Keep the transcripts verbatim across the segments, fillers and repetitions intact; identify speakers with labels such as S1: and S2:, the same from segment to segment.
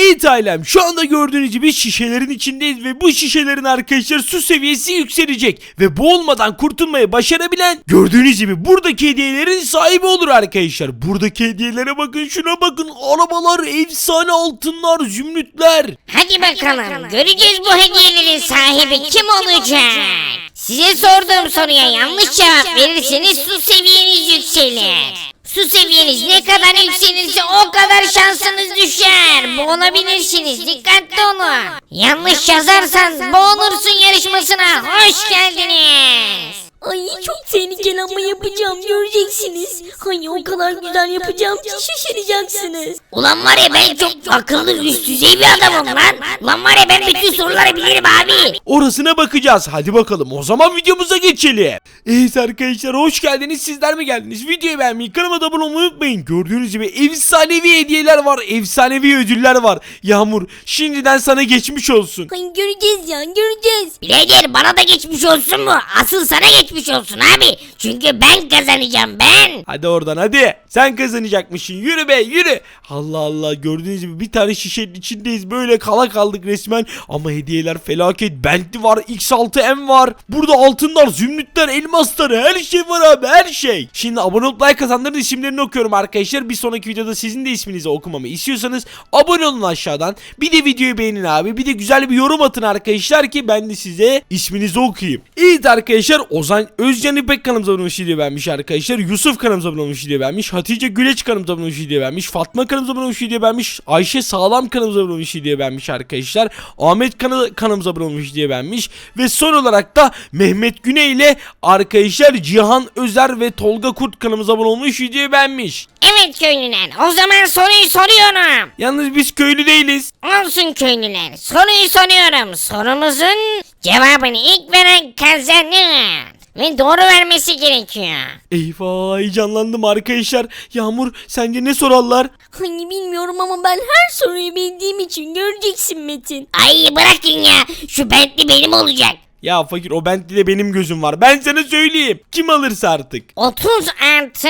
S1: Evet ailem, şu anda gördüğünüz gibi şişelerin içindeyiz ve bu şişelerin arkadaşlar su seviyesi yükselecek ve boğulmadan kurtulmayı başarabilen gördüğünüz gibi buradaki hediyelerin sahibi olur arkadaşlar. Buradaki hediyelere bakın, şuna bakın, arabalar, efsane altınlar, zümrütler.
S2: Hadi bakalım, göreceğiz bu hediyelerin sahibi kim olacak? Size sorduğum soruya yanlış cevap verirseniz su seviyeniz yükselir. Su seviyeniz ne kadar yükselirse o kadar şansınız düşer. Boğulabilirsiniz, dikkatli olun. Yanlış yazarsan boğulursun yarışmasına hoş geldiniz.
S3: Ay çok tehlikeli ama yapacağım, göreceksiniz. Ay o kadar güzel yapacağım ki şaşıracaksınız.
S2: Ulan var ya ben çok akıllı üst düzey bir adamım lan. Ulan var ya ben bütün soruları bilirim abi.
S1: Orasına bakacağız. Hadi bakalım o zaman videomuza geçelim. Evet arkadaşlar, hoş geldiniz. Sizler mi geldiniz? Videoyu beğenmeyi, kanalıma da abone olmayı unutmayın. Gördüğünüz gibi efsanevi hediyeler var. Efsanevi ödüller var. Yağmur, şimdiden sana geçmiş olsun.
S3: Ay göreceğiz ya, göreceğiz.
S2: Birader bana da geçmiş olsun mu? Asıl sana geçmiş olsun abi. Çünkü ben kazanacağım ben.
S1: Hadi oradan hadi. Sen kazanacakmışsın. Yürü be yürü. Allah Allah, gördüğünüz gibi bir tane şişenin içindeyiz. Böyle kala kaldık resmen. Ama hediyeler felaket. Bentley var. X altı M var. Burada altınlar, zümrütler, elmasları, her şey var abi, her şey. Şimdi abone olup like atanların isimlerini okuyorum arkadaşlar. Bir sonraki videoda sizin de isminizi okumamı istiyorsanız abone olun aşağıdan. Bir de videoyu beğenin abi. Bir de güzel bir yorum atın arkadaşlar ki ben de size isminizi okuyayım. Evet arkadaşlar, Ozan Özcan İpek kanalımıza abone olmuş diye vermiş arkadaşlar. Yusuf kanalımıza abone olmuş diye vermiş. Hatice Güleç kanalımıza abone olmuş diye vermiş. Fatma kanalımıza abone olmuş diye vermiş. Ayşe Sağlam kanalımıza abone olmuş diye vermiş arkadaşlar. Ahmet kanal kanalımıza abone olmuş diye vermiş. Ve son olarak da Mehmet Güney ile arkadaşlar Cihan Özer ve Tolga Kurt kanalımıza abone olmuş diye vermiş.
S2: Evet köylüler, o zaman soruyu soruyorum.
S1: Yalnız biz köylü değiliz.
S2: Olsun köylüler, soruyu soruyorum. Sorumuzun cevabını ilk veren kazanır. Ve doğru vermesi gerekiyor.
S1: Eyvah, heyecanlandım arkadaşlar. Yağmur, sence ne sorarlar?
S3: Ay bilmiyorum ama ben her soruyu bildiğim için göreceksin Metin.
S2: Ay bırakın ya, şu Bentley benim olacak.
S1: Ya fakir, o Bentley'de benim gözüm var. Ben sana söyleyeyim. Kim alırsa artık.
S2: otuz artı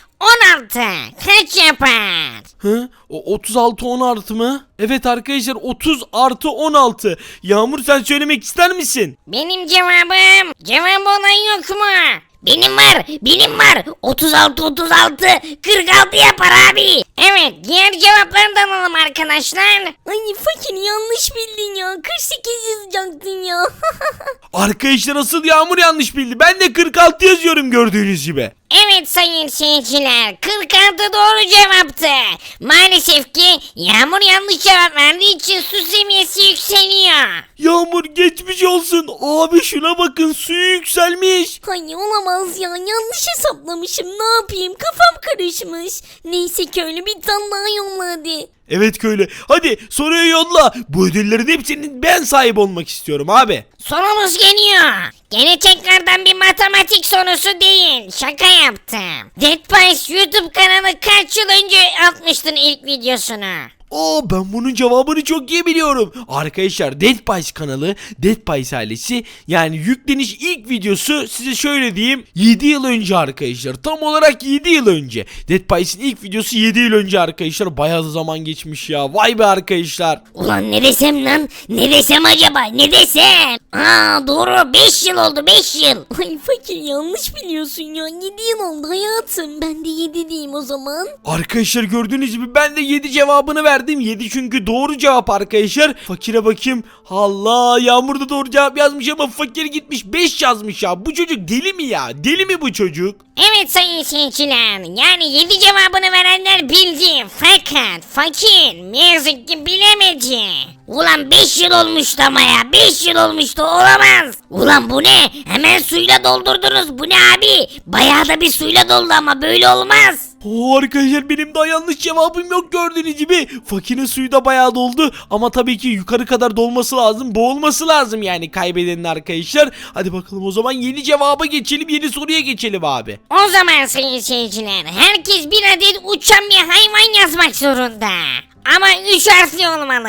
S2: on altı kaç yapar?
S1: Hı? O otuz altı on artı mı? Evet arkadaşlar, otuz artı on altı. Yağmur, sen söylemek ister misin?
S2: Benim cevabım, cevabı olan yok mu? Benim var, benim var. otuz altı otuz altı kırk altı yapar abi. Evet, diğer cevapları da alalım arkadaşlar.
S3: Ay fakir yanlış bildin ya, kırk sekiz yazacaktın ya.
S1: Arkadaşlar, asıl Yağmur yanlış bildi. Ben de kırk altı yazıyorum gördüğünüz gibi.
S2: Evet sayın seyirciler, kırk altı doğru cevaptı. Maalesef ki Yağmur yanlış cevap verdiği için su seviyesi yükseliyor.
S1: Yağmur, geçmiş olsun. Abi şuna bakın, suyu yükselmiş.
S3: Ay olamaz ya, yanlış hesaplamışım, ne yapayım, kafam karışmış. Neyse köylü, bir tane daha yolla hadi.
S1: Evet köylü, hadi soruyu yolla. Bu ödüllerin hepsinin ben sahip olmak istiyorum abi.
S2: Sorumuz geliyor. Gene tekrardan bir matematik sorusu değil. Şaka yaptım. Dead Pies YouTube kanalı kaç yıl önce atmıştın ilk videosunu?
S1: Oo, ben bunun cevabını çok iyi biliyorum. Arkadaşlar, Dead Pies kanalı, Dead Pies ailesi, yani yükleniş ilk videosu size şöyle diyeyim, yedi yıl önce arkadaşlar. Tam olarak yedi yıl önce. Dead Pies'in ilk videosu yedi yıl önce arkadaşlar. Bayağı da zaman geçmiş ya. Vay be arkadaşlar.
S2: Ulan ne desem lan? Ne desem acaba? Ne desem? Aa doğru, beş yıl oldu, beş yıl.
S3: Ay fakir yanlış biliyorsun ya, yedi yıl oldu hayatım, ben de yedi diyeyim o zaman.
S1: Arkadaşlar, gördüğünüz gibi ben de yedi cevabını verdim. yedi çünkü doğru cevap arkadaşlar. Fakire bakayım. Allah, Yağmur da doğru cevap yazmış ama fakir gitmiş beş yazmış ya. Bu çocuk deli mi ya? Deli mi bu çocuk?
S2: Evet sayın seyirciler, yani yedi cevabını verenler bildi fakat fakir ne yazık ki bilemedi. Ulan beş yıl olmuştu ama ya, beş yıl olmuştu, olamaz. Ulan bu ne? Hemen suyla doldurdunuz, bu ne abi? Bayağı da bir suyla doldu ama böyle olmaz.
S1: Oo arkadaşlar, benim daha yanlış cevabım yok gördüğünüz gibi. Fakirin suyu da bayağı doldu ama tabii ki yukarı kadar dolması lazım, boğulması lazım yani kaybedenin arkadaşlar. Hadi bakalım o zaman yeni cevaba geçelim, yeni soruya geçelim abi.
S2: O zaman sayın seyirciler, herkes bir adet uçan bir hayvan yazmak zorunda. Ama üç harfli olmalı.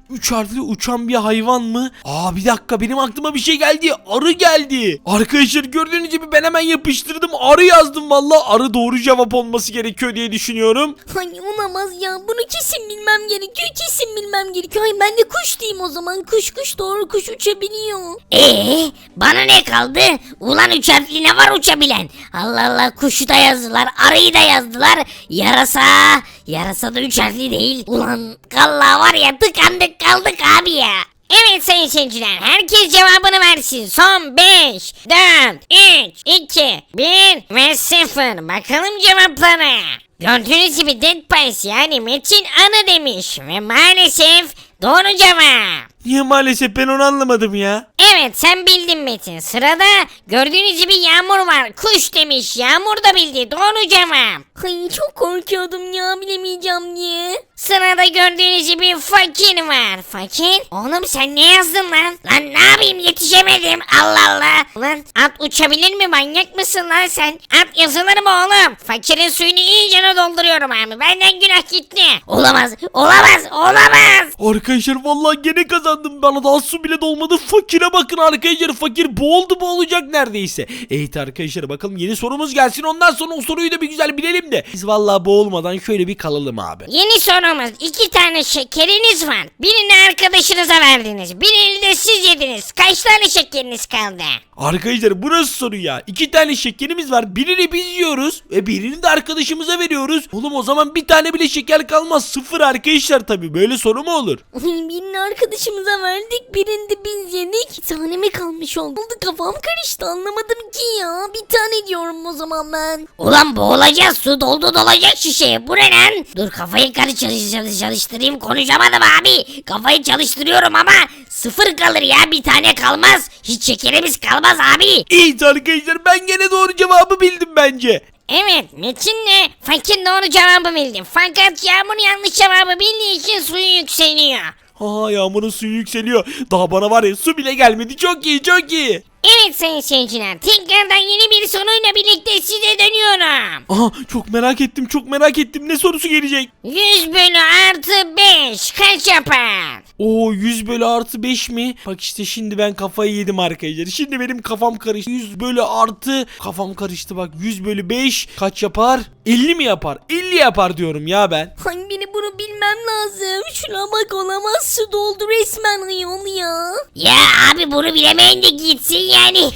S1: üç harfli uçan bir hayvan mı? Aa bir dakika, benim aklıma bir şey geldi. Arı geldi. Arkadaşlar gördüğünüz gibi ben hemen yapıştırdım. Arı yazdım valla. Arı doğru cevap olması gerekiyor diye düşünüyorum.
S3: Ay olamaz ya, bunu kesin bilmem gerekiyor, kesin bilmem gerekiyor. Ay ben de kuş diyeyim o zaman, kuş kuş doğru, kuş uçabiliyor.
S2: Ee, bana ne kaldı? Ulan üç harfli ne var uçabilen? Allah Allah, kuşu da yazdılar, arıyı da yazdılar. Yarasa, yarasa da üç harfli değil. Ulan vallahi var ya, tıkandık kaldık abi ya. Evet sayın seyirciler, herkes cevabını versin. Son beş, dört, üç, iki, bir ve sıfır. Bakalım cevaplara. Gördüğünüz gibi Dead Pies yani Metin Anı demiş ve maalesef doğru cevap.
S1: Niye maalesef, ben onu anlamadım ya.
S2: Evet sen bildin Metin. Sırada gördüğünüz gibi Yağmur var. Kuş demiş. Yağmur da bildi. Doğru cevap.
S3: Ay çok korkuyordum ya, bilemeyeceğim diye.
S2: Sırada gördüğünüz gibi Fakir var. Fakir? Oğlum sen ne yazdın lan? Lan ne yapayım, yetişemedim. Allah Allah. Lan at uçabilir mi? Manyak mısın lan sen? At yazılır mı oğlum? Fakirin suyunu iyice dolduruyorum abi. Benden günah gitti. Olamaz. Olamaz. Olamaz.
S1: Arkadaşlar vallahi gene kazandım. Bana daha su bile dolmadı. Fakire bakın arkadaşlar. Fakir boğuldu, boğulacak neredeyse. Evet arkadaşlar, bakalım yeni sorumuz gelsin. Ondan sonra o soruyu da bir güzel bilelim de. Biz vallahi boğulmadan şöyle bir kalalım abi.
S2: Yeni sorumuz. İki tane şekeriniz var. Birini arkadaşınıza verdiniz. Birini de siz yediniz. Kaç tane şekeriniz kaldı?
S1: Arkadaşlar burası soru ya. İki tane şekerimiz var. Birini biz yiyoruz ve birini de arkadaşımıza veriyoruz. Oğlum o zaman bir tane bile şeker kalmaz. Sıfır arkadaşlar tabii. Böyle soru mu olur?
S3: Ay birini arkadaşımıza verdik, birini de biz yedik. Bir tane mi kalmış oldu? Kafam karıştı, anlamadım ki ya. Bir tane diyorum o zaman ben.
S2: Ulan boğulacağız, su doldu dolacak şişeye, bu ne lan? Dur kafayı karı çalış, çalış, çalıştırayım, konuşamadım abi. Kafayı çalıştırıyorum ama sıfır kalır ya, bir tane kalmaz. Hiç şekerimiz kalmaz abi.
S1: Evet arkadaşlar, ben gene doğru cevabı bildim bence.
S2: Evet Metin'le Fakir doğru cevabı bildi. Fakat Yağmur yanlış cevabı bildiği için suyu yükseliyor.
S1: Aa, Yağmur'un suyu yükseliyor. Daha bana var ya, su bile gelmedi. Çok iyi, çok iyi.
S2: Evet sayın seyirciler, tekrardan yeni bir soruyla birlikte size dönüyorum.
S1: Aha, çok merak ettim, çok merak ettim. Ne sorusu gelecek?
S2: yüz bölü artı beş kaç yapar?
S1: Oo, yüz bölü artı beş mi? Bak işte şimdi ben kafayı yedim arkadaşlar. Şimdi benim kafam karıştı. yüz bölü artı kafam karıştı bak. yüz bölü beş kaç yapar? elli mi yapar? elli yapar diyorum ya ben.
S3: Ay beni bunu bilmem lazım. Şuna bak, olamaz, su doldu resmen ayol ya.
S2: Ya abi bunu bilemeyin de gitsin yani.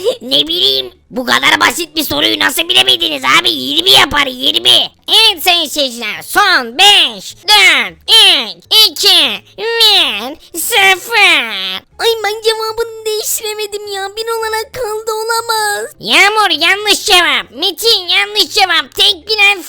S2: Ne bileyim. Bu kadar basit bir soruyu nasıl bilemediniz abi? yirmi yapar, yirmi. Evet sayın seyirciler, son beş, dört, üç, iki, bir, sıfır.
S3: Ay ben cevabını değiştiremedim ya. Bir olarak kaldı, olamaz.
S2: Yağmur yanlış cevap. Metin yanlış cevap. Tek bilen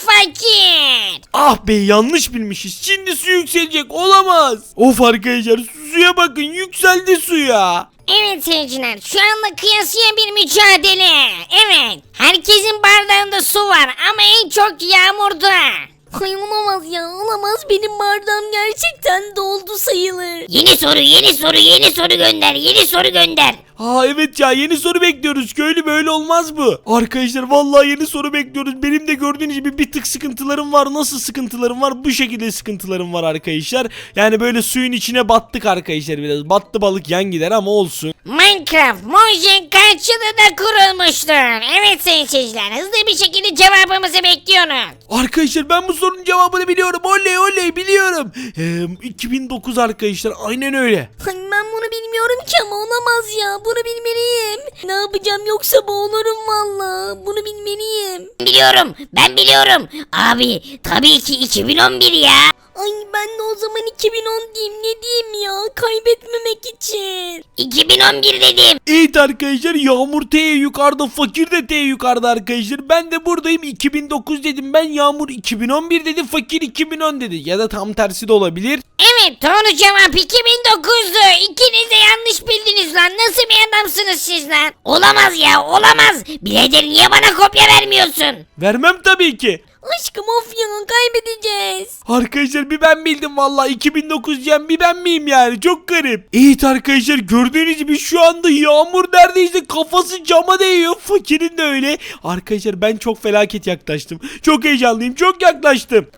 S2: Fakir.
S1: Ah be, yanlış bilmişiz. Şimdi su yükselecek, olamaz. Of arkadaşlar, suya bakın, yükseldi suya.
S2: Evet seyirciler, şu anda kıyasıya bir mücadele. Evet, herkesin bardağında su var ama en çok Yağmur'da.
S3: Ay olamaz ya, olamaz. Benim bardağım gerçekten doldu sayılır.
S2: Yeni soru, yeni soru, yeni soru gönder, yeni soru gönder.
S1: Aa evet ya, yeni soru bekliyoruz. Köylü, böyle olmaz bu. Arkadaşlar vallahi yeni soru bekliyoruz. Benim de gördüğünüz gibi bir tık sıkıntılarım var. Nasıl sıkıntılarım var? Bu şekilde sıkıntılarım var arkadaşlar. Yani böyle suyun içine battık arkadaşlar biraz. Battı balık yan gider ama olsun.
S2: Minecraft Mojang kaç yılında kurulmuştur? Evet sayın seyirciler, hızlı bir şekilde cevabımızı bekliyoruz.
S1: Arkadaşlar ben bu sorunun cevabını biliyorum. Oley oley, biliyorum. Ee, iki bin dokuz arkadaşlar, aynen öyle.
S3: Ay ben bunu bilmiyorum ki ama olamaz ya. Bunu bilmeliyim. Ne yapacağım, yoksa boğulurum valla. Bunu bilmeliyim.
S2: Biliyorum, ben biliyorum. Abi tabii ki iki bin on bir ya.
S3: Ay ben de o zaman iki bin on diyeyim, ne diyeyim ya, kaybetmemek için.
S2: iki bin on bir dedim.
S1: Evet arkadaşlar, Yağmur T yukarıda, Fakir de T yukarıda arkadaşlar. Ben de buradayım, iki bin dokuz dedim ben, Yağmur iki bin on bir dedi, Fakir iki bin on dedi. Ya da tam tersi de olabilir.
S2: Evet doğru cevap iki bin dokuzdu. İkiniz de yanlış bildiniz lan. Nasıl bir adamsınız siz lan? Olamaz ya, olamaz. Birader niye bana kopya vermiyorsun?
S1: Vermem tabii ki.
S3: Aşkım of ya, kaybedeceğiz.
S1: Arkadaşlar bir ben bildim vallahi, iki bin dokuz diyen bir ben miyim yani, çok garip. Evet arkadaşlar, gördüğünüz gibi şu anda Yağmur neredeyse kafası cama değiyor, Fakir'in de öyle. Arkadaşlar ben çok felaket yaklaştım, çok heyecanlıyım, çok yaklaştım.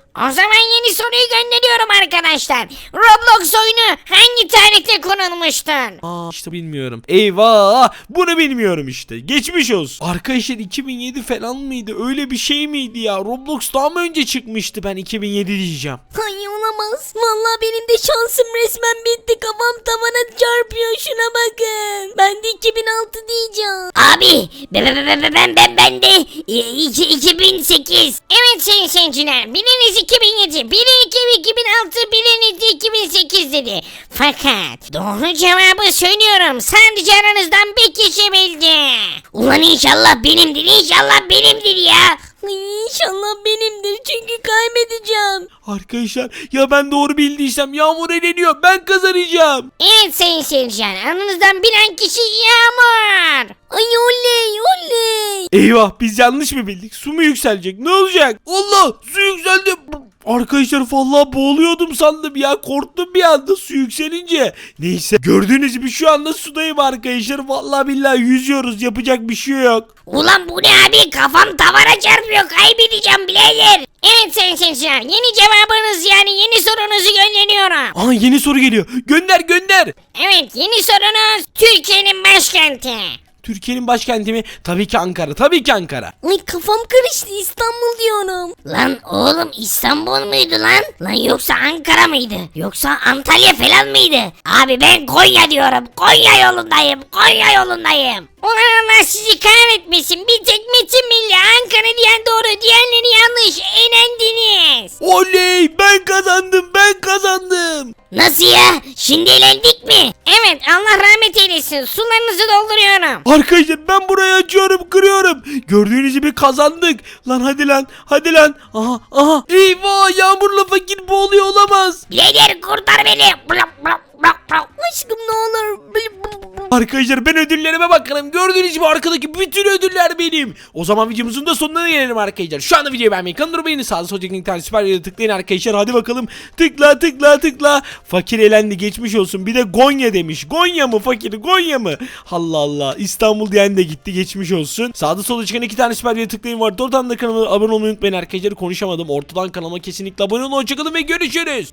S2: O zaman yeni soruyu gönderiyorum arkadaşlar. Roblox oyunu hangi tarihte konulmuştur?
S1: Aa işte bilmiyorum. Eyvah, bunu bilmiyorum işte. Geçmiş olsun. Arkadaşlar iki bin yedi falan mıydı? Öyle bir şey miydi ya? Roblox daha mı önce çıkmıştı? Ben iki bin yedi diyeceğim.
S3: Ay olamaz. Vallahi benim de şansım resmen bitti. Kafam tavana çarpıyor, şuna bakın. Ben de iki bin altı diyeceğim.
S2: Abi ben ben ben ben ben, ben de e, iki- iki bin sekiz. Evet sayın seyirciler, biriniz iki bin yedi, biri iki bin altı, biriniz de iki bin sekiz dedi. Fakat doğru cevabı söylüyorum, sadece aranızdan bir kişi bildi. Ulan inşallah benimdir, inşallah benimdir ya.
S3: Ay, İnşallah benimdir çünkü kaybedeceğim.
S1: Arkadaşlar ya ben doğru bildiysem Yağmur eleniyor. Ben kazanacağım.
S2: Evet sayın seyirciler, aranızdan bilen kişi Yağmur.
S3: Ay oley oley.
S1: Eyvah, biz yanlış mı bildik? Su mu yükselecek? Ne olacak? Allah, su yükseldi. Arkadaşlar vallahi boğuluyordum sandım ya. Korktum bir anda su yükselince. Neyse, gördüğünüz gibi şu anda sudayım arkadaşlar. Vallahi billahi yüzüyoruz. Yapacak bir şey yok.
S2: Ulan bu ne abi, kafam tavana çarpıyor, kaybedeceğim birader. Evet sayın seyirciler, yeni cevabınız yani yeni sorunuzu gönderiyorum.
S1: Aa, yeni soru geliyor. Gönder gönder.
S2: Evet, yeni sorunuz Türkiye'nin başkenti.
S1: Türkiye'nin başkenti mi? Tabii ki Ankara. Tabii ki Ankara.
S3: Ay kafam karıştı, İstanbul diyorum.
S2: Lan oğlum, İstanbul muydu lan? Lan yoksa Ankara mıydı? Yoksa Antalya falan mıydı? Abi ben Konya diyorum. Konya yolundayım. Konya yolundayım. Ulan Allah sizi kahretmesin. Bir tek Metin Milli Ankara diyen doğru, diğerleri yanlış. Eğlendiniz.
S1: Oley, ben kazandım. Ben kazandım.
S2: Nasıl ya? Şimdi eğlendik mi? Evet, Allah rahmet eylesin. Sularınızı dolduruyorum.
S1: Arkadaşlar ben burayı açıyorum, kırıyorum. Gördüğünüz gibi kazandık. Lan hadi lan, hadi lan. Aha, aha. Eyvah, Yağmur'la fakir boğuluyor olamaz.
S2: Birader kurtar beni. Blok blok blok blok.
S3: Aşkım ne olur. Bl- bl- bl-
S1: Arkadaşlar ben ödüllerime bakalım. Gördüğünüz gibi arkadaki bütün ödüller benim. O zaman videomuzun da sonuna gelelim arkadaşlar. Şu anda videoyu beğenmeyi, kanalıma beğeni, sağda solda linkten süper videoya tıklayın arkadaşlar. Hadi bakalım. Tıkla tıkla tıkla. Fakir elendi, geçmiş olsun. Bir de Gonya demiş. Gonya mı fakir? Gonya mı? Allah Allah. İstanbul diyen de gitti, geçmiş olsun. Sağda solda çıkan iki tane süper videoya tıklayın var. Oradan da kanalıma abone olmayı unutmayın arkadaşlar. Konuşamadım. Ortadan kanalıma kesinlikle abone olun. Hoşçakalın ve görüşürüz.